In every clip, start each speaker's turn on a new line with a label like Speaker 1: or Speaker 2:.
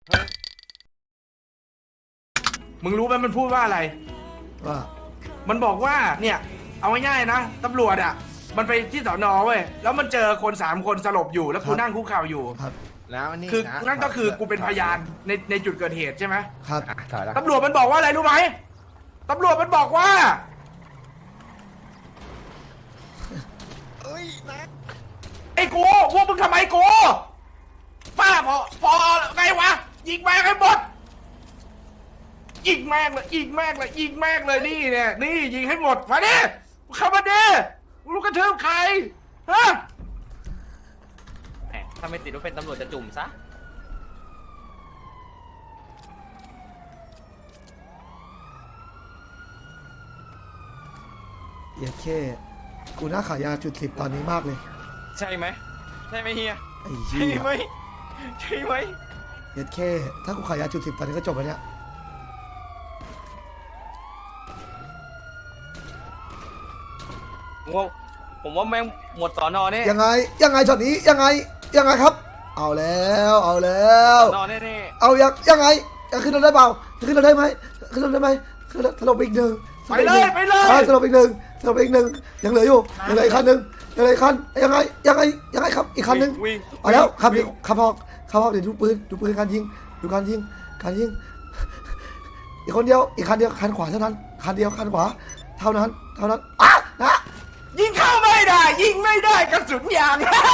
Speaker 1: มึงรู้ไหมมันพูดว่าอะไร
Speaker 2: ว่า
Speaker 1: มันบอกว่าเนี่ยเอาง่ายๆนะตำรวจอ่ะมันไปที่สอนอเว้ยแล้วมันเจอคน3 คนสลบอยู่แล้วกูนั่งคุกเข่าอยู่
Speaker 2: ครับ
Speaker 3: แล้วนี่
Speaker 1: คือ
Speaker 3: นะ
Speaker 1: นั่นก็คือกูเป็นพยานในจุดเกิดเหตุใช่ไหม
Speaker 2: ครับ
Speaker 3: ถอยแล้ว
Speaker 1: ตำรวจมันบอกว่าอะไรรู้ไหมตำรวจมันบอกว่า
Speaker 3: เอ้ยนะ
Speaker 1: ไอ้กูพวกมึงทำไมกูป้าพอไงวะยิงแม่งให้หมดยิงแม่งเลยยิงแม่งเลยยิงแม่งเลยนี่เนี่ยนี่ยิงให้หมดมาดิเข้ามาดิลูกกระเทืบใครฮะ
Speaker 4: แหมถ้าไม่ติดว่าเป็นตำรวจจะจุ่มซะ
Speaker 2: เหี้ยแค่กูน่าขายยาจุด10ตอนนี้มากเลย
Speaker 4: ใช่ไหมใช่ไหมเฮีย
Speaker 2: ไอ้
Speaker 4: ใช่
Speaker 2: เหี้ย
Speaker 4: ไหมใช่ไหม
Speaker 2: เหี้ยแค่ถ้ากูขายยาจุด10ตอนนี้ก็จบแล้วเนี่ย
Speaker 4: ผมว่าแม่งหมดสอนอเนี่ย
Speaker 2: ยังไงช็อตนี้ยังไงครับ เอาแล้วเอาแล้ว
Speaker 4: สอนอแน่
Speaker 2: เอายังไงจะขึ้นรถได้เปล่าจะขึ้นรถได้ไหมขึ้นรถได้ไหมขึ้นรถสลบอีกหนึ่ง
Speaker 1: ไปเลยไปเลย
Speaker 2: สลบอีกหนึ่งยังเหลืออยู่ยังเหลืออีกคันหนึ่งยังเหลืออีกคันยังไงครับอีกคันหนึ่ง
Speaker 4: วิ่ง
Speaker 2: เอาแล้วขับ
Speaker 4: วิ่ง
Speaker 2: ออกเดี๋ยวดูปืนการยิงอีกคนเดียวอีกคันเดียวคันขวาเท่านั้นคันเดียวคันขวาเท่านั้นอ่ะนะ
Speaker 1: ยิงเข้าไม่ได้ยิงไม่ได้กระสุนยาง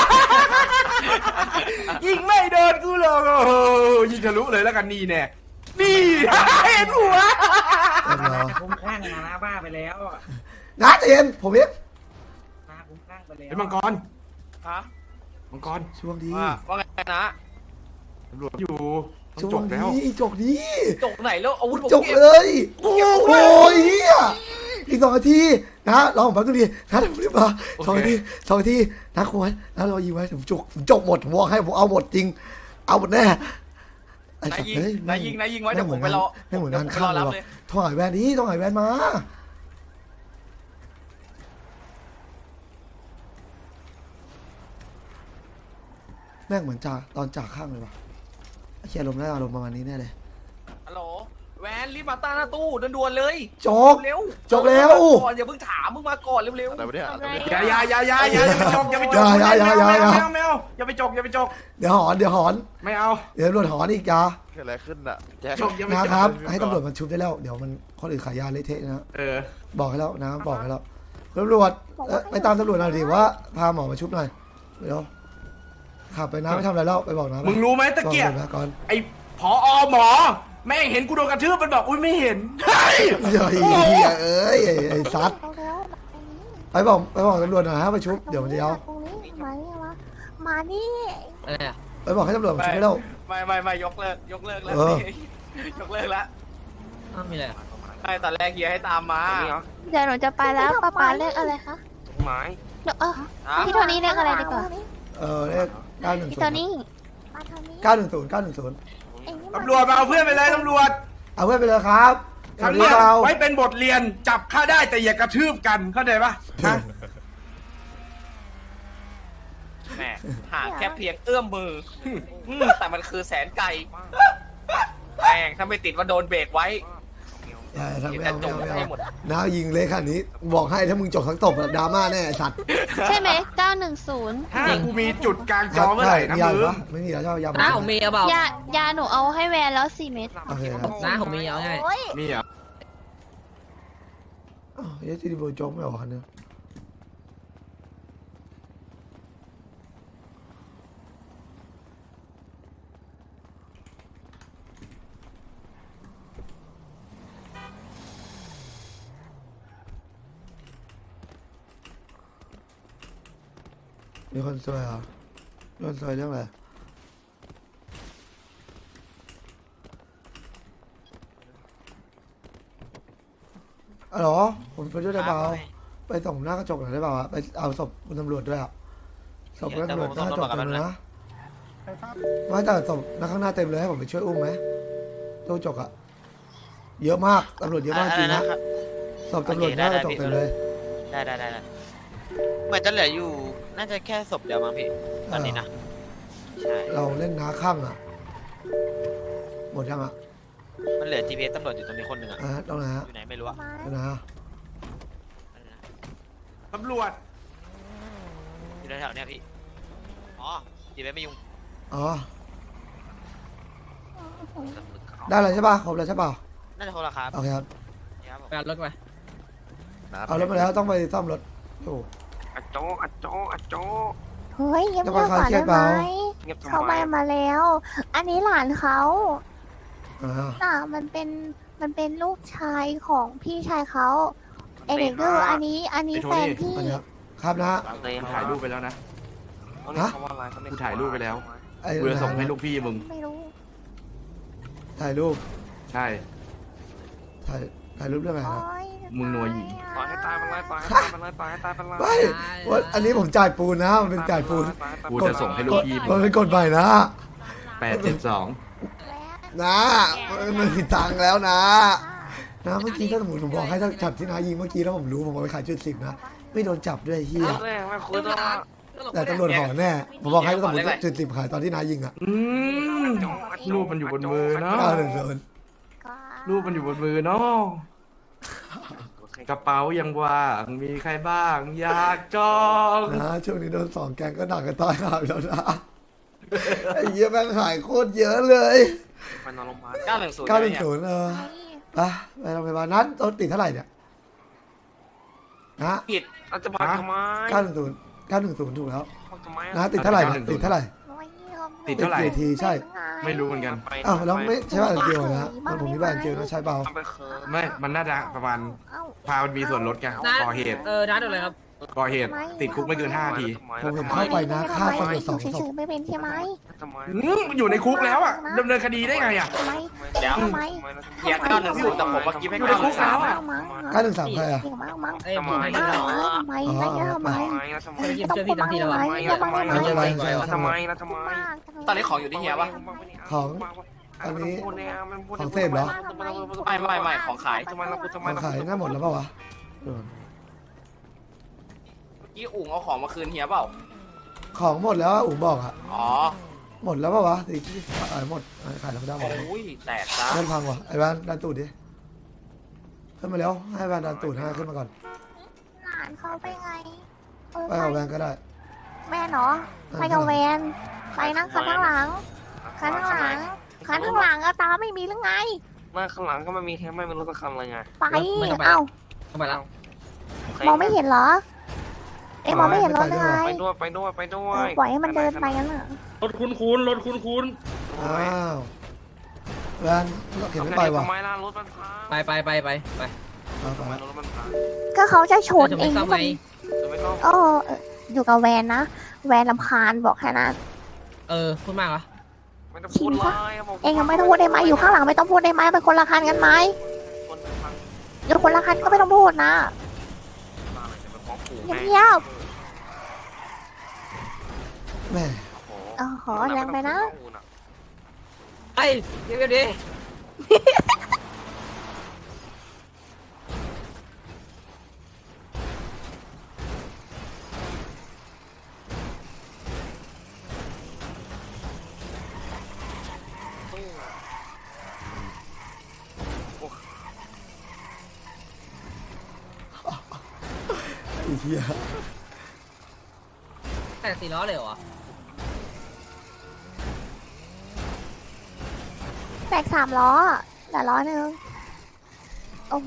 Speaker 1: ยิงไม่โดนกูหรอกโอ้โหยิงทะลุเลยแล้วกันนี่แน่นี่ เห็นหัว
Speaker 5: คุ้มข้างนะบ้าไปแล้ว
Speaker 2: นะใจเย็นผมเอง
Speaker 5: นะคุ้มข้างไปแล้ว
Speaker 1: เป็นมังกร
Speaker 4: ฮะ
Speaker 1: มังกร
Speaker 2: ช่วงดี
Speaker 4: ว่าไงนะ
Speaker 1: ตำรวจอยู่ต้อง
Speaker 2: ช่ว
Speaker 1: จ
Speaker 2: ง
Speaker 1: บ
Speaker 2: ดี
Speaker 1: แล้ว
Speaker 2: จกดี
Speaker 4: จกไหนแล้วอาวุธผม
Speaker 2: จก
Speaker 4: เก็บ
Speaker 2: เลยโอ้ยเฮียอีก2 นาทีนะรอผมแป๊บนึงดินะเดี๋ยวผมรีบมา2 นาทีนะคุยนะรอยิงไว้ผมจกหมดผมบอกให้ผมเอาหมดจริง เอาหมดแน่ไอ้
Speaker 4: นาย
Speaker 2: สัตว์
Speaker 4: ยิง
Speaker 2: เฮ้ย
Speaker 4: นายยิงไว้เดี๋ยวผมไปรอ
Speaker 2: ไม่เหมือนงาน
Speaker 4: ดี๋ยวผม
Speaker 2: ข้าม
Speaker 4: ไปรอ
Speaker 2: เล
Speaker 4: รั
Speaker 2: ย
Speaker 4: บ
Speaker 2: ว่ะ
Speaker 4: เลย
Speaker 2: ต้องหายแวนนี้ต้องหายแวนมาแม่งเหมือนจ่าตอนจ่าข้างเลยว่ะไอ้เชียอารมณ์น่าอารมณ์ประมาณนี้แน่เลย
Speaker 4: ฮัลโหลแวนรีบมาตั้งหน้าตู้ด่วนๆเลย
Speaker 2: จก
Speaker 4: เร็ว
Speaker 2: จกแล้ว
Speaker 4: ก่อนอย่าเพิ่งถามมึงมาก่อนเร็ว
Speaker 3: อะไรวะเนี่ยอะไรวะเนี่ย
Speaker 1: อย่าไปจกอย่าไปจก
Speaker 2: อย่า
Speaker 1: ไม่เอาอย่าไปจกอย่าไปจก
Speaker 2: เดี๋ยวหอน
Speaker 1: ไม่เอา
Speaker 2: เดี๋ยวตำรวจหอนอีกยา
Speaker 3: เกิดอะไรขึ้นอ่ะแจ็ค
Speaker 1: จกอย่าไปจ
Speaker 2: นะ
Speaker 1: ก
Speaker 2: ครับ ให้ตำรวจมันชุบได้แล้ว เดี๋ยวมันคนอื่นขายยาเละเทะนะ
Speaker 1: เออ
Speaker 2: บอกให้แล้วนะบอกให้แล้วตำรวจไปตามตำรวจหน่อยดิว่าพาหมอมาชุบหน่อยเดี๋ยวขับไปนะไม่ทำอะไรแล้วไปบอกนะ
Speaker 1: มึงรู้ไหมตะเกียบ
Speaker 2: บอกนะก่อน
Speaker 1: ไอ้ผอหมอแม่งเห็นกูโดนกระทืบมันบอกอุ้ยไม่เห็นเฮ้ย
Speaker 2: เฮ้ยเอ้ยไอ้ซัดไปบอกตำรวจหน่อยฮะไปชุบเดี๋ยวมันจะเอา
Speaker 6: ตรงนี้มานี่วะมานี่
Speaker 4: ๆอะไรอะ
Speaker 2: ไปบอกให้ตำรวจมาชุบให้แล้ว
Speaker 4: ไม่ยกเลิกแล้ว
Speaker 2: เออ
Speaker 4: ยกเลิกแล้ว
Speaker 7: มีอะไร
Speaker 4: ใช่ตอนแรกเฮียให้ตามมา
Speaker 6: เดี๋ยวหนูจะไปแล้วป๊าเรียกอะไรคะ
Speaker 4: ไม้
Speaker 6: เดี๋ยว
Speaker 4: ฮะ
Speaker 6: พี่โทนี่เรียกอะไรดีกว่า
Speaker 2: เลข
Speaker 6: พี่โทนี่
Speaker 2: 910
Speaker 6: มาทางนี้
Speaker 2: 910
Speaker 6: เอ็งนี่
Speaker 1: ตำรวจมาเอาเพื่อนไปเลยตำรวจ
Speaker 2: เอาเพื่อนไปเลยครับ
Speaker 1: ครั้งเนี้ยไว้เป็นบทเรียนจับฆ่าได้แต่อย่ากระทืบกันเข้าใจปะฮะ
Speaker 4: แหมห่างแค่เพียงเอื้อมมือแต่มันคือแสนไกลแม่งถ้าไม่ติดว่าโดนเบรกไว้
Speaker 2: อย่าทำไม่
Speaker 4: แต่
Speaker 2: เอา
Speaker 4: จบ
Speaker 2: ไม่
Speaker 4: ให้
Speaker 2: เอา
Speaker 4: หมด
Speaker 2: น้ายิงเลยขนาดนี้บอกให้ถ้ามึงจบทั้งตบดราม่าแน่สัตว์
Speaker 6: ใช่ไหม910
Speaker 1: ถ้ากูมีจุดกลางจอเมื่อไหร่นะ
Speaker 2: ยา
Speaker 1: มึง
Speaker 2: ปะไม่มีแล้วใช่ไหมยา
Speaker 7: น้าผมมีเอาเปล่าย
Speaker 6: าหนูเอาให้แวนแล้ว4 เม็ด
Speaker 2: โอเคครับ
Speaker 7: น้าผมมีเอาไง
Speaker 1: มีเหรอ
Speaker 2: เยสติโบโจ๊กไม่ออกคันนึงมีคนซวยเหรอมีคนซวยเรื่องอะไรอ๋อเหรอผมไปด้วยได้เปล่าไปส่งหน้ากระจกหน่อยได้เปล่าอะไปเอาศพคุณตำรวจด้วยอะศพคุณตำรวจหน้ากระจกเต็มเลยนะไม่แต่ศพนักข้างหน้าเต็มเลยให้ผมไปช่วยอุ้มไหมตู้จกอะเยอะมากตำรวจเยอะมากจริงนะศพตำรวจหน้ากระจกเต็มเลย
Speaker 8: ได้เหมือนจะเหลืออยู่ น่าจะแค่ศพเดียวมั้งพี่ ตอนนี้นะ ใช่
Speaker 2: เราเล่นน้าข้างอะหมดยังอ่ะ
Speaker 8: มันเหลือ GPS ตำรวจอยู่ตรงนี้คนหนึ่งอะ
Speaker 2: ตรงไหนฮะ
Speaker 8: อยู่ไหนไม่รู้อะ
Speaker 2: ตรงไหนฮะ
Speaker 1: ตำรวจ
Speaker 8: อยู่แถวๆเนี้ยพี่ อ๋อ GPS ไม่ยุ่ง
Speaker 2: อ๋อได้เลยใช่ป่ะครบแล้วใช่ป่ะ
Speaker 8: น่าจะโทรละครับ
Speaker 2: โอเคครับ
Speaker 8: ครับผม
Speaker 7: ไปเอารถไป
Speaker 2: เอารถมาแล้วต้องไปซ่อมรถโอ้
Speaker 5: อะโจอะโจอะโจ
Speaker 6: เฮ้ยเงียบ
Speaker 2: จะ
Speaker 6: ๆก่
Speaker 2: มา
Speaker 6: อน
Speaker 2: เครี
Speaker 6: ได้
Speaker 2: ยด
Speaker 6: ไหม
Speaker 2: เปล่า
Speaker 5: เงียบทำ
Speaker 6: เขา
Speaker 5: ไม
Speaker 6: ไปมาแล้ว อันนี้หลานเขา
Speaker 2: อ่า
Speaker 6: น่ะมันเป็นลูกชายของพี่ชายเขาเอเด็กดื้ออันนี้แฟนพี่
Speaker 2: อันนี้ครับนะ
Speaker 5: เลย
Speaker 1: กูถ่ายรูปไปแล้วนะ
Speaker 2: ฮะ
Speaker 1: กูถ่ายรูปไปแล้ว
Speaker 2: ไอ้
Speaker 1: กูจะส่งให้ลูกพี่มึง
Speaker 6: ไม่รู้
Speaker 2: ถ่ายรูป
Speaker 1: ใช่
Speaker 2: ถ่ายรูปเรื่องอะไร
Speaker 6: โอ๊
Speaker 2: นะ
Speaker 6: ย
Speaker 1: มึงนัวหญิง
Speaker 5: ปล่อยให้ตายมันเลยปล่อยให้ตายมันเลยปล่อยให้ตายมันเลย
Speaker 2: ไม่ว่าอันนี้ผมจ่ายปูนนะมันเป็นจ่ายปูน
Speaker 1: กูจะส่งให้ลูกพี่มึ
Speaker 2: มัน
Speaker 1: ง
Speaker 2: เป็นกฎใหม่นะ
Speaker 1: 872
Speaker 2: นะมันผิดทางแล้วนะนะเมื่อกี้ถ้าสมมติผมบอกให้ถ้าจับที่นายิงเมื่อกี้แล้วผมรู้ผมเอาไปขายจุด10นะไม่โดนจับด้วยเฮีย
Speaker 5: ไม่คุยด้วย
Speaker 2: แต่ตำรวจห่อแน่ผมบอกให้ถ้าสมมติจุด10ขายตอนที่นายิงอ่ะ
Speaker 1: อืมรูปมันอยู่บนมือเนาะ
Speaker 2: 910
Speaker 6: ก็
Speaker 1: รูปมันอยู่บนมือเนาะกระเป๋ายังว่างมีใครบ้าง อยากจอง
Speaker 2: นะช่วงนี้โดน2 แกงก็หนักกันตายหาแล้วนะไอ้เหี้ยแม่งหายโคตรเยอะเลย
Speaker 5: ไปนอนโรงพยาบาล
Speaker 4: 910
Speaker 2: 910ไปโรงพยาบาลนั้นต้นติดเท่าไหร่เนี่ยนะ
Speaker 4: ผิด
Speaker 5: เราจะพักทำไม
Speaker 2: 910ถูกแล้ว
Speaker 5: พักทำไม
Speaker 2: นะติดเท่าไหร่นะติดเท่าไหร่
Speaker 1: ติดเท่าไหร่
Speaker 2: กี่ทีใช่
Speaker 1: ไม่รู้เหมือนกัน
Speaker 2: อ้าวแล้วไม่ใช่บ้านเดียวนะมันผมมีบ้านเดียวนะใช่เปล่า
Speaker 5: ไปเคิร์
Speaker 1: ไม่ มันน่าจะประมาณ
Speaker 6: เอ้า
Speaker 1: พามันมีส่วนลดไง
Speaker 7: นะ
Speaker 1: ก่อเหตุ
Speaker 7: ร้านอะไรครับ
Speaker 1: ก่อเหตุ ติดคุกไม่เกิน5 นาที
Speaker 2: ผมเห็นเข้าไปนะฆ่าคนไป2 ศพ
Speaker 6: เฉยๆไม่เป็นใช่ไหม
Speaker 5: ทำไม
Speaker 1: มันอยู่ในคุกแล้วอ่ะดำเนินคดีได้ไงอ่ะ
Speaker 6: ทำไม
Speaker 4: เดี๋ยว
Speaker 6: ทำไม
Speaker 4: เฮีย910แต่ผมว่ากิฟให้
Speaker 1: อยู่ในคุกแล้วอะ
Speaker 6: มั้ง
Speaker 2: 913ใครอ่ะ
Speaker 6: เก่งมากมั้ง
Speaker 7: เอ้ย
Speaker 5: ทำไม
Speaker 7: ผมไม่ได้หรอก
Speaker 6: ทำไมไม่ได้ทำไม
Speaker 5: ทำไม
Speaker 7: ไม่ได้ยินเชื่อพี่ทั้งทีแล้ววะ
Speaker 5: ทำไม
Speaker 2: ไม่เป็นไรใช่
Speaker 5: ทำไมนะทำไม
Speaker 4: ตอนนี้ของอยู่ที่เฮียปะ
Speaker 2: ของเสพเหรอ
Speaker 4: ไม่ของขาย
Speaker 5: ทำไมเราทำไม
Speaker 2: ของขายน่าหมดแล้วเปล่าวะ
Speaker 4: ยี่อุ๋งเอาของมาคืนเฮียเปล่า
Speaker 2: ของหมดแล้วอุ๋มบอกอ่ะ
Speaker 4: อ๋อ
Speaker 2: หมดแล้วเปล่าวะสิขายหมดขายแล้วไม่ได้หมด
Speaker 4: โอ้ยแตกซะ
Speaker 2: เล่นพังวะไอ้บ้านดันตูดดิขึ้นมาแล้วให้บ้านดันตูดให้ขึ้นมาก่อน
Speaker 6: หลานเขาไปไง
Speaker 2: ไปเอาแวนก็ได้
Speaker 6: แม่เนาะไปกับแวนไปนั่งคันข้างหลังคันข้างหลังคันข้างหลังอะตาไม่มีหรือไง
Speaker 5: มาข้างหลังก็ไม่มีแค่ไม่รู้สักคำเลยไง
Speaker 6: ไปเอ้า
Speaker 7: เข้าไปแล้ว
Speaker 6: มองไม่เห็นเหรอ เอ๊ะมองไม่เห็นรถเลย
Speaker 5: ไปด้วยไปด้วยไปด้วย
Speaker 6: ปล่อยให้มันเดินไปงั้นเหรอ
Speaker 5: รถคุ้นรถคุ้น
Speaker 2: อ้าวแวนเข็นไม่ไปวะ
Speaker 5: ทำไมล่ะรถมันพัง
Speaker 7: ไป
Speaker 5: ทำไมรถมันพัง
Speaker 6: ก็เขาจะชน
Speaker 7: จะ
Speaker 6: เอ
Speaker 7: ไม่
Speaker 6: ง
Speaker 7: ซ่อมไง
Speaker 5: จะไม่ต้อง
Speaker 6: โอ้อยู่กับแวนนะ แวนลำคาญบอกแค่นั้น
Speaker 7: พูดมากเหรอ
Speaker 5: ไม่ต้องพูดเลย
Speaker 6: เองยังไม่ต้องพูดได้ไหมอยู่ข้างหลังไม่ต้องพูดได้ไหมเป็นคนละคันกันไหม
Speaker 5: คนพัง
Speaker 6: อยู่คนละคันก็ไม่ต้องพูดนะ
Speaker 5: มาเลยจะไปฟ้องปู่
Speaker 6: เงียบ
Speaker 2: แม่
Speaker 6: ขอแรงไปนะ
Speaker 7: ไอ้เดี๋ยวดิ
Speaker 2: ไอ้เหี้ย
Speaker 7: แต่4 ล้อเลยเหรอ
Speaker 6: แตก3 ล้อแต่ล้อหนึ่งโอ้โห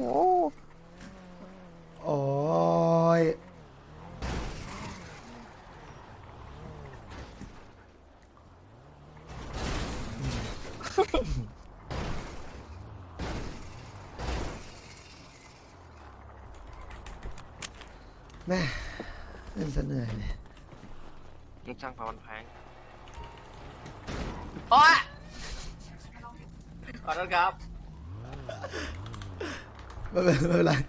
Speaker 2: โอ้ยแม่เล่นซะเหนื่อยเลย
Speaker 5: ยังช่างพามันแพง
Speaker 4: โอ๊ยขอโทษครับ
Speaker 2: ไม่เป็นไร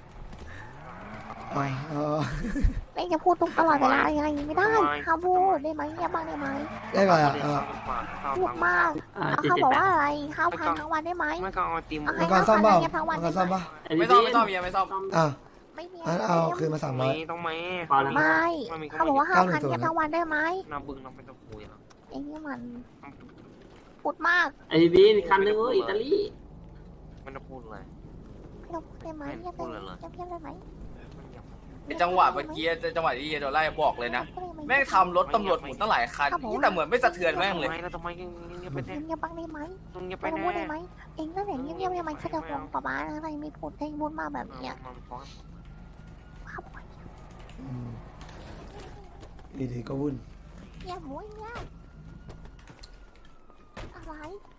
Speaker 2: อ๋อ
Speaker 6: เองจะพูดทุกตลอดเวลาอย่างนี้ไม่ได้ห้ามพูดได้ไหมเงียบบ้างได้ไหม
Speaker 2: ได้ไงอ่ะ
Speaker 6: พูดมากเขาบอกว่าอะไรข้าวพันทั้งวันได้ไหม
Speaker 5: ไม่ก็เอาติม
Speaker 2: มังกรซ่อมเปล่ามังกรซ่อมปะ
Speaker 4: ไม่ต้องเฮียไม่ต้อง
Speaker 2: อ่ะ
Speaker 6: ไม่มี
Speaker 2: งั้นเอาคืนมา300
Speaker 5: ต้องไหม
Speaker 6: ไม่เขาบอกว่า5,000เงียบทั้งวันได้ไหม
Speaker 5: น้ำบึงน้ำเป็นตะปูอย่าง
Speaker 6: เองนี่มันพูดมาก
Speaker 5: ไอ้บีนคันนึงอิตาลีไม่ต้องพูดเลย
Speaker 6: ไม่ต้องพูดได้ไหมเงียบได้ไหมเงียบได้ไหม
Speaker 4: ไอ้จังหวะเมื่อกี้จังหวะที่โดนไล่บอกเลยนะแม่งทำรถตำรวจหมุนตั้งหลายคันแต่เหมือนไม่สะเทือนแม่งเลย
Speaker 5: แล้วทำไมเงียบไปแน่
Speaker 6: เงียบบ้างได้ไหม
Speaker 5: เงียบไป
Speaker 6: ไม่ต้อง
Speaker 5: แน่
Speaker 6: พูดได้ไหมเองนั่นแหละเงียบได้ไหมเขาจะฟ้องป้าบ้าอะไรไม่พูดให้พูดมาแบบเนี้ย ครับ
Speaker 2: อืมดีๆก็วุ่น
Speaker 6: เงียบหมูเงียบอะไร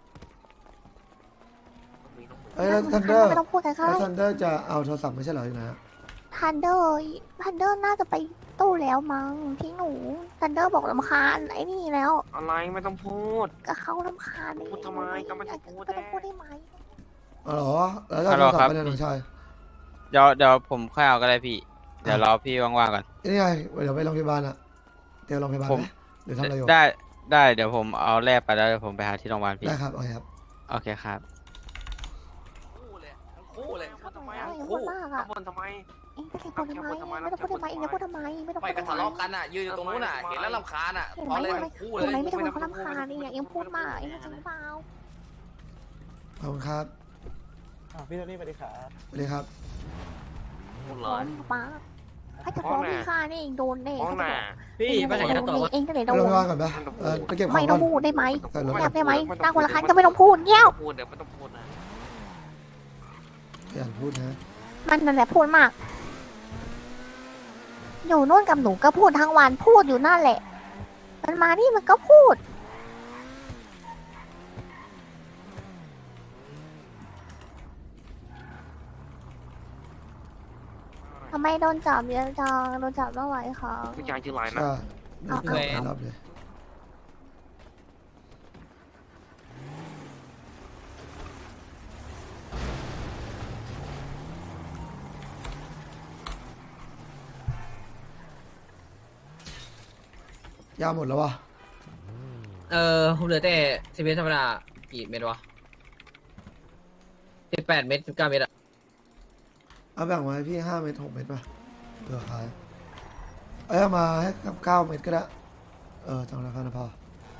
Speaker 2: เอ้ยแล้วทันเดอร์
Speaker 6: ไม่ต้องพูดกันค่ะ
Speaker 2: แล้วทันเดอร์จะเอาโทรศัพท์ไม่ใช่เหรออยู่ไหนอะ
Speaker 6: ทันเดอร์น่าจะไปตู้แล้วมั้งที่หนูทันเดอร์บอกรำคาญไอ้นี่แล้ว
Speaker 5: อะไรไม่ต้องพูด
Speaker 6: ก็เขารำคาญ
Speaker 5: พูดทำไมก็ไม่ต้องพูด
Speaker 6: ก็ต้องพูดได้ไหม
Speaker 2: อ๋อเหรอแล้วจะเอาโทรศัพท์ไปไหนน้องชาย
Speaker 9: เดี๋ยวผมค่อยเอาก็ได้พี่ เดี๋ยวรอพี่ว่างๆก่อน
Speaker 2: นี่ไงเดี๋ยวไปโรงพยาบาลอะเดี๋ยวโรงพยาบาล
Speaker 9: ผม
Speaker 2: ไหมหรือทำอะไรอยู่
Speaker 9: ได้เดี๋ยวผมเอาแลบไปแล้วเดี๋ยวผมไปหาที่โรงพยาบาลพี่
Speaker 2: ได้ครับโอเคครับ
Speaker 9: โอเคครับ
Speaker 4: คู่เลยทั้งคู่เลย
Speaker 6: พูดทำไมพูดมากอ่ะ
Speaker 5: พูดทำไม
Speaker 6: เองจะพูดทำไมไม่ต้องพูดทำไมเองจะพูดทำไมไม่ต้อง
Speaker 4: ไม่
Speaker 6: พูด
Speaker 4: กระ
Speaker 6: ทำไม
Speaker 4: ทะเลาะกันอ่ะยืนอยู่ตรงนู้นอ่ะเห็นแล้วรำคาญอ่ะ
Speaker 6: เห็น
Speaker 4: พ
Speaker 6: ไห
Speaker 4: อ
Speaker 6: ม
Speaker 4: เลย
Speaker 6: เห็นไหม
Speaker 4: ทั้งคู่
Speaker 6: เห็น
Speaker 4: เล
Speaker 6: ไหม
Speaker 4: ย
Speaker 6: ไม่ต้องคนรำคาญเองพูดมากเองจริงเปล่า
Speaker 2: ขอบคุณครับ
Speaker 3: พี่โทนี่สวัสดีครับ
Speaker 2: สวัสดีครับ
Speaker 5: พูดเล
Speaker 6: ร้อย นป้าถ้าจะฟ้องพี่ค่านี่เองโดนแน่
Speaker 5: ฟ้องหน้า
Speaker 7: พี่ไปไหนกันต่อวะ
Speaker 6: เองก็เลย
Speaker 2: ไป
Speaker 6: โด
Speaker 2: โรงพ
Speaker 6: น
Speaker 2: ยาบาลก่อนปะไปเก็บขอ
Speaker 6: ไม่
Speaker 2: ง
Speaker 6: ต้
Speaker 2: ก่
Speaker 6: อ
Speaker 2: อง น
Speaker 6: พูดได้ไหม
Speaker 2: ใส่รถ
Speaker 6: เงียบได้ไหมนั่งคนละคันก็ไม่ต้องพูดเงี้ยว
Speaker 5: พูดเดี๋ยวไม่ต้องพูดนะ
Speaker 2: ขยันพูดนะ
Speaker 6: มันนั่นแหละพูดมาก อยู่นู่นกับหนูก็พูดทั้งวันพูดอยู่นั่นแหละ มันมานี่มันก็พูดทำไมโดนจับเยอะจังโดนจับเมื่อไหร่คะ
Speaker 5: ผู้ชายชื่อไรนะ
Speaker 2: ใช่
Speaker 6: เอา
Speaker 2: ไม่ต้องรับเลยยาหมดแล้ววะ
Speaker 7: ผมเหลือแต่สิบเมตรธรรมดากี่เม็ดวะ18 เม็ด19 เม็ดอะ
Speaker 2: เอาแบ่งมาให้พี่5 เม็ด6 เม็ดป่ะเผื่อขายเอามาให้กับ9 เม็ดก็ได้จังราคานะพอ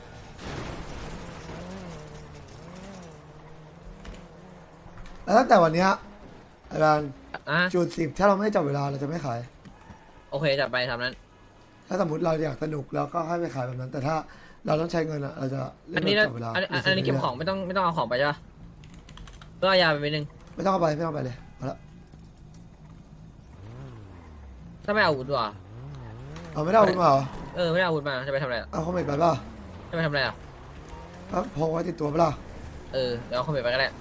Speaker 2: แล้วตั้งแต่วันเนี้ยอาจารย์
Speaker 7: อ่ะ
Speaker 2: จุด10ถ้าเราไม่จับเวลาเราจะไม่ขาย
Speaker 7: โอเคจัดไปทำนั้น
Speaker 2: ถ้าสมมติเราอยากสนุกเราก็ให้ไปขายแบบนั้น แต่ถ้าเราต้องใช้เงินอะเราจะเล่
Speaker 7: อัน
Speaker 2: น
Speaker 7: นี้
Speaker 2: แบบ
Speaker 7: นะ
Speaker 2: จับเวลา
Speaker 7: อันนี้เก็บของไม่ต้องเอาของไปใช่ปะเพื่อเอายาไปนิดนึง
Speaker 2: ไม่ต้องเอาไปไม่ต้องเอาไปเลยเอาละ
Speaker 7: ถ้าไม่เอาอาวุธว่ะ
Speaker 2: เอาไม่ได้เอาคุณมาเหรอ
Speaker 7: ไม่ได้เอาอาวุธมาจะไปทำอะไรอะ
Speaker 2: เอาคอมเมนต์ไปเปล่า
Speaker 7: จะไปทำอะไรอ่ะ
Speaker 2: ก็พกไว้ติดตัวเปล่า
Speaker 7: เดี๋ยวเอาคอมเมนต์ไปก็ได้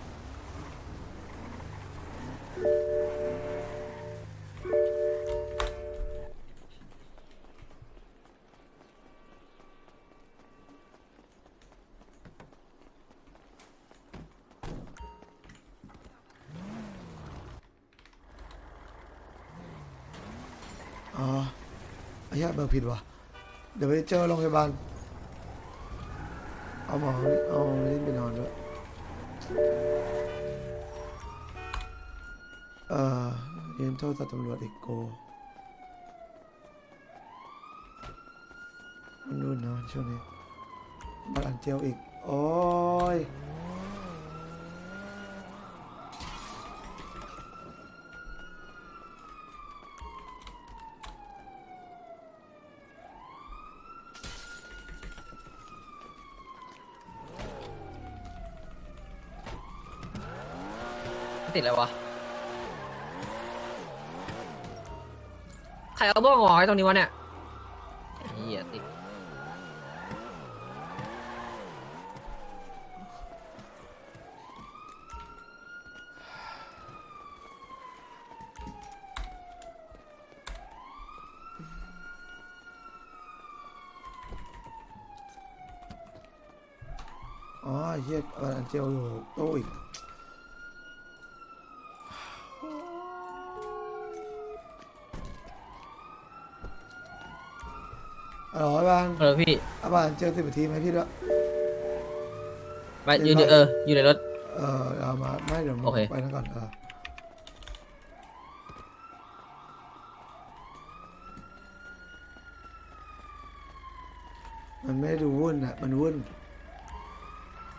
Speaker 2: อ๋อไอ้เหี้ยเบอร์ผิดว่ะเดี๋ยวไปเจอโรงพยาบาลเอาหมอเอาลิ้นไปนอนด้วยยืนโทษตำรวจอีกโกมันนู่นเนาะช่วงนี้บัตรอันเจลอีกโอ้ย
Speaker 7: ติดอะไรวะใครเอาบ้องหอยตรงนี้วะเนี่ยเหี้ยติด
Speaker 2: อ๋อไอ้เหี้ยบัตรอันเจลอยู่โต๊ะอีกอ๋อบ้าน
Speaker 7: พี่
Speaker 2: เอาบ้านเจอ10 นาทีไหมพี่ด้วย
Speaker 7: ไปอยู่ในอยู่ในรถ
Speaker 2: เอามาไม่เดี๋ยว
Speaker 7: โอเค
Speaker 2: ไปนั่นก่อนมันไม่ดูวุ่นอ่ะมันวุ่น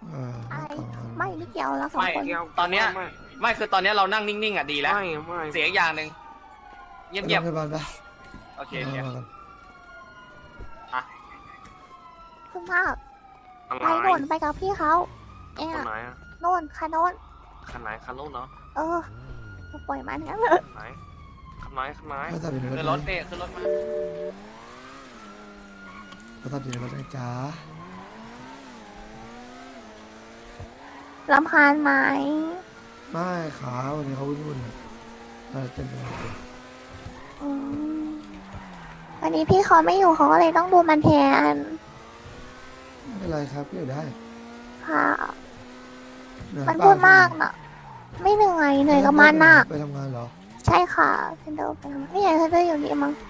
Speaker 6: อะไร
Speaker 2: ต่อกัน
Speaker 6: ไม่เกี่ยวเราสอง
Speaker 4: ไม่
Speaker 6: คน
Speaker 4: ตอนเนี้ยไม่คือตอนเนี้ยเรานั่งนิ่งๆอ่ะดีแล้ว
Speaker 5: ไม่ไม่
Speaker 4: เสียอีกอย่างหนึ่งเงียบ
Speaker 2: ไปโรงพยาบาลปะ
Speaker 4: ๆโอเคโอเค
Speaker 2: มากัน
Speaker 6: คุณภาพ
Speaker 5: อะไร
Speaker 6: ไปโน่นไปกับพี่เขาเอ๊ะ
Speaker 5: คนไหนอะ
Speaker 6: โน่นค่ะโน่น
Speaker 5: คันไหนคันนู้นเนาะ
Speaker 6: เออปล่อยมันงั้นเลย
Speaker 5: ไหนคันไหนคันไหน
Speaker 2: ก็ตัดอยู่ใน
Speaker 4: ขึ้น
Speaker 2: ร
Speaker 4: ร
Speaker 2: ถ
Speaker 4: ถเนี่ยขึ้นรถมา
Speaker 2: ก็ตัดอยู่ในรถนะจ๊ะ
Speaker 6: รำคาญไหม
Speaker 2: ไม่ขาวันนี้เขาวุ่นๆอะเราเต้นไปหมดเลย
Speaker 6: อืมวันนี้พี่เขาไม่อยู่เขาก็เลยต้องดูมันแทน
Speaker 2: ไม่เป็นไรครับพี่อยู่ได้
Speaker 6: ค่ะ
Speaker 2: เหนื่อย
Speaker 6: มัน
Speaker 2: เปล่
Speaker 6: พูดมากน่ะ ไม่เหนื่อยเหนื่อยกับมันน่ะ
Speaker 2: ไปทำงานเหรอ
Speaker 6: ใช่ค่ะเซนเดอร์ไปทำนี่ไงเซนเดอร์อยู่นี่มั้ง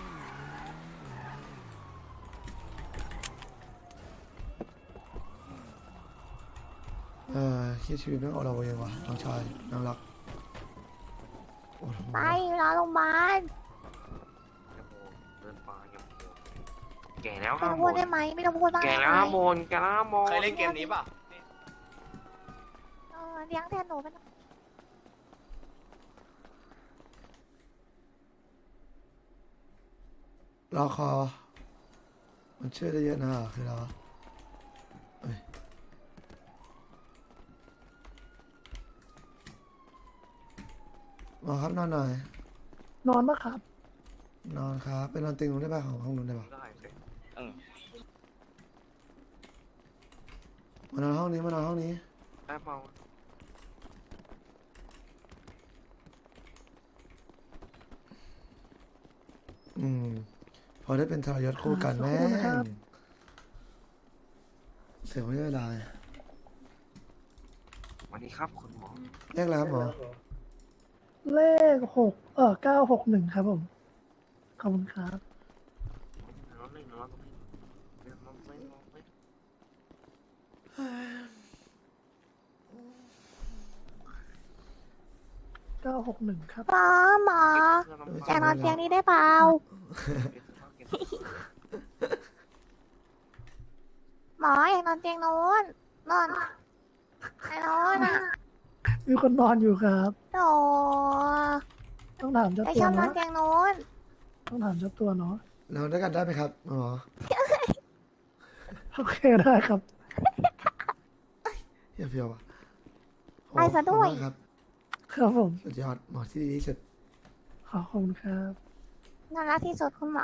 Speaker 2: คิดชีวิตไม่ออกเราเองว่ะน้องชายน้องรักโอ้โห
Speaker 6: ไปรอโรงพยาบาล
Speaker 5: เดินป่ายังแก่แล้ว
Speaker 6: ไม่ต้องพูดได้ไหมไม่ต้องพูดบ้าง
Speaker 5: แก่
Speaker 6: ได้
Speaker 5: แล้ว
Speaker 6: ไหม
Speaker 5: โมนแก่แล้วโมน
Speaker 4: เคยเล่นเกมนี้ป่ะ
Speaker 6: เลี้ยงแทนหนูเป็น
Speaker 2: รอคอ มันช่วยได้เยอะนะคือเราเอ้ยหมอครับนอนหน่อย
Speaker 3: นอนปะครับ
Speaker 2: นอนครับไปนอนเตียงนู้นได้ป่ะของห้องนู้นได้ป่ะ
Speaker 5: ได้สิ
Speaker 2: มานอนห้องนี้มานอนห้องนี้
Speaker 5: ได้เปล่า
Speaker 2: พอได้เป็นทรยศคู่กันแม่
Speaker 3: ขอบคุณนะครับ
Speaker 2: งเสียไม่ได้เวลา
Speaker 5: สวัสดีครับคุณหมอ
Speaker 2: เรียกแล้วหมอ
Speaker 3: เลข961ครับผม ขอบคุณครับ
Speaker 5: น้องหนึ่งน้องหนึ่งเดี๋ยวน้องไม่น้องไม่
Speaker 3: 961ครับ
Speaker 6: หมออยากนอนเตียงนี้ได้เปล่าหมออยากนอนเตียงโน้นนอนไอ้โน้นอ่ะ
Speaker 3: มีคนนอนอยู่ครับ
Speaker 6: โอ้
Speaker 3: ต้องถามเจ้า
Speaker 6: ไป
Speaker 3: ตั
Speaker 6: ช
Speaker 3: ว
Speaker 6: อบนอน
Speaker 3: เนาะ
Speaker 6: เตียงโน้น
Speaker 3: ต้องถามเจ้าตัวเนาะ
Speaker 2: นอนด้วยกันได้ไหมครับหมอ
Speaker 3: โอเคได้ครับ
Speaker 2: เพียวเพียวๆอ่ะโอ้
Speaker 6: ไปซะด้วย
Speaker 2: ขอบคุณมากครับ
Speaker 3: ครับผม
Speaker 2: สุดยอดหมอที่ดีที่สุด
Speaker 3: ขอบคุณครับ
Speaker 6: น่ารักที่สุดคุณหมอ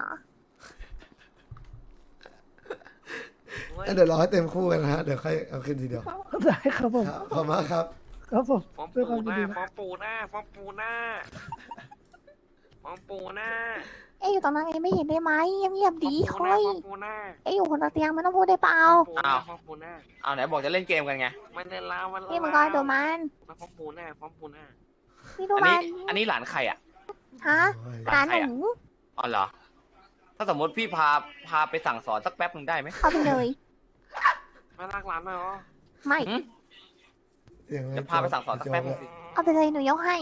Speaker 2: เดี๋ยวรอให้เต็มคู่กันนะฮะเดี๋ยวค่อยเอาขึ้นทีเดียว
Speaker 3: ได้ครับผม
Speaker 2: ครับขอบคุณมากครับ
Speaker 3: ครับผม
Speaker 5: ฟอม
Speaker 3: ด้วย
Speaker 5: ปู
Speaker 3: ความ
Speaker 5: ห
Speaker 3: ยิน
Speaker 5: น้า
Speaker 3: ดี
Speaker 5: ฟอมปูหน้าฟอมปูหน้าฟอมปูหน้า
Speaker 6: เอ๊ะอยู่ตรงนั้นเองไม่เห็นได้ไหมเงียบๆดี
Speaker 5: ฟอม
Speaker 6: ค่อย
Speaker 5: ปูหน้า
Speaker 6: เอ๊ะอยู่คนละเตียงไม่ต้องพูดได้เปล่า
Speaker 5: ฟอมปูหน้า
Speaker 4: เอาไหนบอกจะเล่นเกมกันไง
Speaker 5: ไม่ได้ลาวันละ
Speaker 6: พี่มังกรดูมัน
Speaker 5: ฟอมปูหน้าฟอมปูหน้า
Speaker 6: พี่ดู
Speaker 4: อัน
Speaker 6: มั
Speaker 4: นี้
Speaker 6: น
Speaker 4: อันนี้หลานใครอ่ะ
Speaker 6: ฮะ
Speaker 2: โอ้ย
Speaker 6: หลานหนู
Speaker 4: อ๋อเหรอ ถ้าสมมติพี่พาไปสั่งสอนสักแป๊บหนึ่งได้ไหม
Speaker 6: เอาไปเลย
Speaker 5: ไม่รักหลานหน่อยเหรอ
Speaker 6: ไม่
Speaker 2: เสียงอะไร
Speaker 4: จะพาไปสั่งสอนสักแป๊บหนึงสิ
Speaker 6: เอาไปเลยหนูยกให้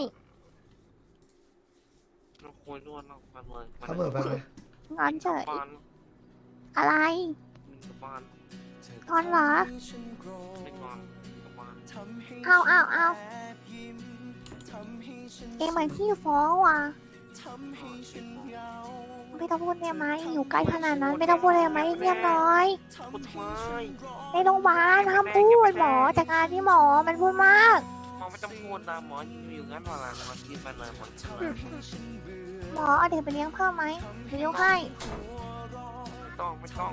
Speaker 5: เราคุยด้วยเราไปเลย
Speaker 2: เขาเบิดไปไหม
Speaker 6: งอนเฉย
Speaker 5: บ้าน
Speaker 6: อะไร
Speaker 5: มีกับบ้าน
Speaker 6: งอนเหรอ
Speaker 5: ไม่นอนกับบ้าน
Speaker 6: เอาเอ็งเหมือนขี้ฟ้องว่ะไม่ต้องพูดได้ไหมอยู่ใกล้ขนาดนั้นไม่ต้องพูดได้ไหมเรียบร้อย
Speaker 5: พูดทำไม
Speaker 6: ในโรงพยาบาลห้ามพูดหมอจากการที่หมอมันพูดมาก
Speaker 5: หมอไม่ต้องพูดนะหมออยู่งั้นเวลาหมอกินไปเลยหมอกินเลย
Speaker 6: หมอเอาเด็กไปเลี้ยงเพิ่มไหมเดี๋ยวยกให้
Speaker 5: ไม่ต้อง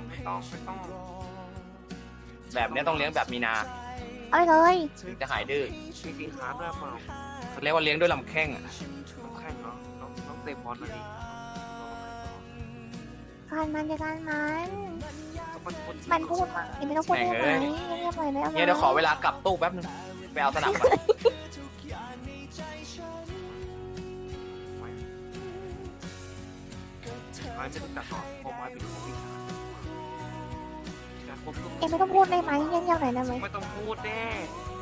Speaker 4: แบบเนี้ยต้องเลี้ยงแบบมีนา
Speaker 6: เอาไปเลย
Speaker 4: ถึงจะหายดื้อ
Speaker 5: มีสีขาด้วยเปล่า
Speaker 4: เขาเรียกว่าเลี้ยงด้วยลำแข้งอะ
Speaker 5: น้องแข่งเนาะน้องเตะบอลมาดิ
Speaker 6: การมันจากการมัน
Speaker 5: มันพูด
Speaker 6: มันพูดมากไม่ต้องพูดได้ไหมเงียบๆหน่อยได้ไหม
Speaker 4: เนี่ยเดี๋ยวขอเวลากลับตู้แป๊บนึงไปเอาสนับก่อน
Speaker 5: ไอ้ไม่ต้องจัดหรอกเพราะว่าเป็นของพี่ชายการควบคุม
Speaker 6: เอ็งไม่ต้องพูดได้ไหมเงียบๆหน่อยได้ไหม
Speaker 5: ไม่ต้องพูดแน่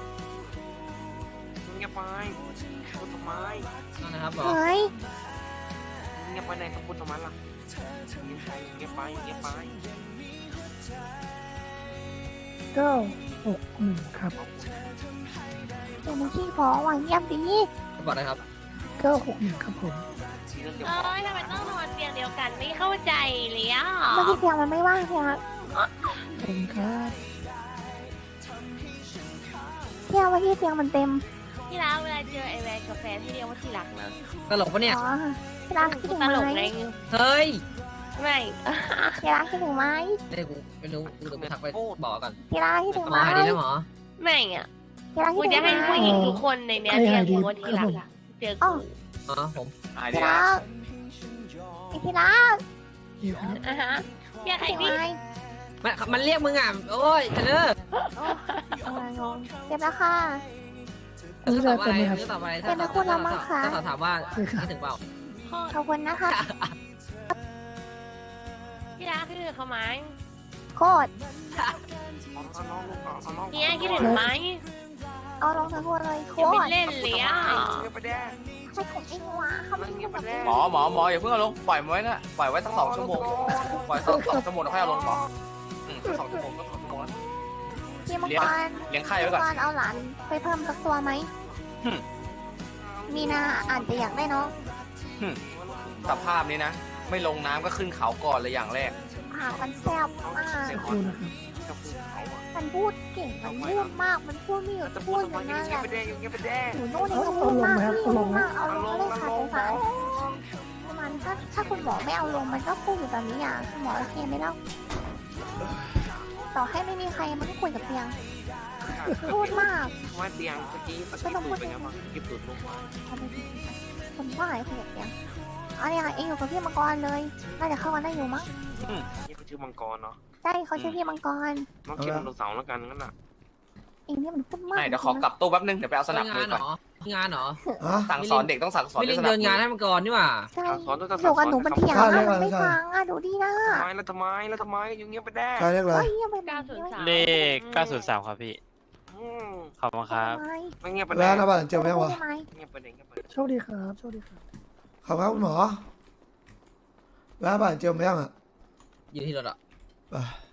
Speaker 5: เงียบไปพูดทำไม
Speaker 7: นะครับหมอ
Speaker 6: เฮ้ย
Speaker 5: เงียบไปไหนต้องพูดทำไมล่ะเงียบไป
Speaker 3: 961ครับ
Speaker 6: เดี๋ยวมึงขี้ฟ้องว่ะเงียบดี
Speaker 7: บอกได้ครับ
Speaker 3: 961ครับผม
Speaker 6: เอ้ยทำไมต้องนอนเตียงเดียวกันไม่เข้าใจเลยอ่ะเมื่อกี้เตียงมันไม่ว่างเตียง
Speaker 3: ขอบคุณครับ
Speaker 6: เตียงเมื่อกี้เตียงมันเต็มที่รักเวลาเจอไอแวนกับแฟนที่เรียกว่าที่รักนะ
Speaker 7: ตลกปะเนี่ย
Speaker 6: อ๋อที่รักคิดถึงไหม
Speaker 7: เฮ้ย
Speaker 6: ไม่ที่รักคิดถึงไหม
Speaker 7: นี่กูไม่รู้กูจะไปทักไปบอกก่อน
Speaker 6: ที่รักคิดถึง
Speaker 7: หม
Speaker 6: ไหม
Speaker 7: อหายดีแล้วหมอ
Speaker 10: ไม่อ่ะ
Speaker 6: ที่รักคิด
Speaker 10: กู
Speaker 6: ถึง
Speaker 10: จะ
Speaker 6: ไหม
Speaker 10: ให้ผู้หญิงทุกคนในเนี้ยเรียกกูว่าที่รักอะเจอ
Speaker 6: อ๋อ
Speaker 10: กู
Speaker 7: อ๋อผม
Speaker 4: หาย
Speaker 6: ที่
Speaker 4: ดี
Speaker 6: รักไอที่รัก
Speaker 3: นี่ครับ
Speaker 10: อ่ะฮะเรียกใคร
Speaker 6: คิดถึง
Speaker 10: ดิ
Speaker 6: ไหม
Speaker 7: มันเรียกมึงอ่ะโอ้ยเทนเนอร์
Speaker 6: งงเจ็บแล้วค่ะ
Speaker 3: นี่ได้เป็นไหมครับ
Speaker 7: ต่อไป
Speaker 6: เป็นนักพูดแล้วมั้งคะ
Speaker 7: ถ้าถามว่าคิดถึงเปล่า
Speaker 6: ขอบคุณนะคะ
Speaker 10: ที่รักคิดถึงเขาไหม
Speaker 6: โคตร
Speaker 10: เนี่ยคิดถึงไหม
Speaker 6: เอาลงทั้งหัวเลยโค
Speaker 10: จะไม่
Speaker 6: ตร
Speaker 10: เล่นเลยอ่ะ
Speaker 6: ใช่ผมเองวะเขาไม่ยุ่งกับผม
Speaker 4: หมออย่าเพิ่งเอาลงปล่อยมันไว้นะปล่อยไว้สัก2 ชั่วโมงปล่อย2 ชั่วโมงแล้วค่อยเอาลงหมอสัก2 ชั่วโมงก็2 ชั่วโมงแล้ว
Speaker 6: พี่มังกร
Speaker 4: เลี้ยงไข่ไว้ก่อน
Speaker 6: มังกรเอาหลานไปเพิ่มสักตัวไหม มีนาอาจจะอยากได้น้อง
Speaker 4: สภาพนี้นะ ไม่ลงน้ำก็ขึ้นเขาก่อนเลยอย่างแรก
Speaker 6: ปากมันแซ่บมาก
Speaker 3: ขอบคุณนะครับ
Speaker 6: มันพูดเก่ง มันพูดมาก มันพูดไม่หยุดพูดอยู่นั่นแหละหนูนู่นนี่ก็พูดมากพี่พูดมากเอาลงเลยค่ะสงสารมันถ้าคุณหมอไม่เอาลงมันก็พูดอยู่แบบนี้อ่ะคุณหมอโอเคไหมเล่าต่อให้ไม่มีใครมันก็คุยกับเตียง พูดมาก
Speaker 5: ว่าเตียงเมื่อกี้
Speaker 6: ไม่ต้องพูด
Speaker 5: เป็นไงบ้างเก็บตูดลงมา
Speaker 6: เอาไปดิคนว่าอะไรคุยกับเตียงเอาเนี่ยเองอยู่กับพี่มังกรเลยน่าจะเข้ากันได้อยู่มั้ง
Speaker 5: นี่เขาชื่อมังกรเนาะ
Speaker 6: ใช่เขาชื่อพี่มังกร
Speaker 5: น้องเก็บไดโนเสาร์แล้วกันงั้นน่ะ
Speaker 6: เองเนี่ยมันพูดมาก
Speaker 4: ไม่เดี๋ยวขอกลับตู้แป๊บนึงเดี๋ยวไปเอาสนับ
Speaker 7: งา
Speaker 4: มื
Speaker 7: น
Speaker 4: อ
Speaker 7: เหร
Speaker 4: ก่อน
Speaker 7: องานเหรอ
Speaker 2: ฮะ
Speaker 4: สั่งสอนเด็กต้องสั่งสอน
Speaker 7: ไม่
Speaker 4: ด้ว
Speaker 7: ลิ
Speaker 4: ย
Speaker 7: ง
Speaker 4: สนับ
Speaker 7: เดินงาน
Speaker 4: มือ
Speaker 7: ให้มันก่อนนี่หว่า
Speaker 6: ใช่
Speaker 5: สอนด้วย
Speaker 6: อยู่กับหนูเป็นเถียง
Speaker 2: ใช่
Speaker 6: อะมันไม่ฟังอะดูดีนะ
Speaker 5: ทำไมแล้วทำไมแล้วทำไมอยู่เงียบไปแด้
Speaker 2: ใครเรียกอะไร
Speaker 6: เฮ้ยยังไม่
Speaker 10: 903
Speaker 9: เลข 903 ครับพี่ ขอบคุณครับ
Speaker 5: ไม่เงียบไป
Speaker 2: แล้
Speaker 5: แด้
Speaker 2: วนะบ้านเจอไหมวะ
Speaker 5: เงียบไปแด้เงียบไป
Speaker 3: โชคดีครับโชคดีครับ
Speaker 2: ขอบคุณครับคุณหมอแล้วบ้านเจอไหมยังอ่ะ
Speaker 7: อยู่ที่รถอ่ะ
Speaker 2: ไป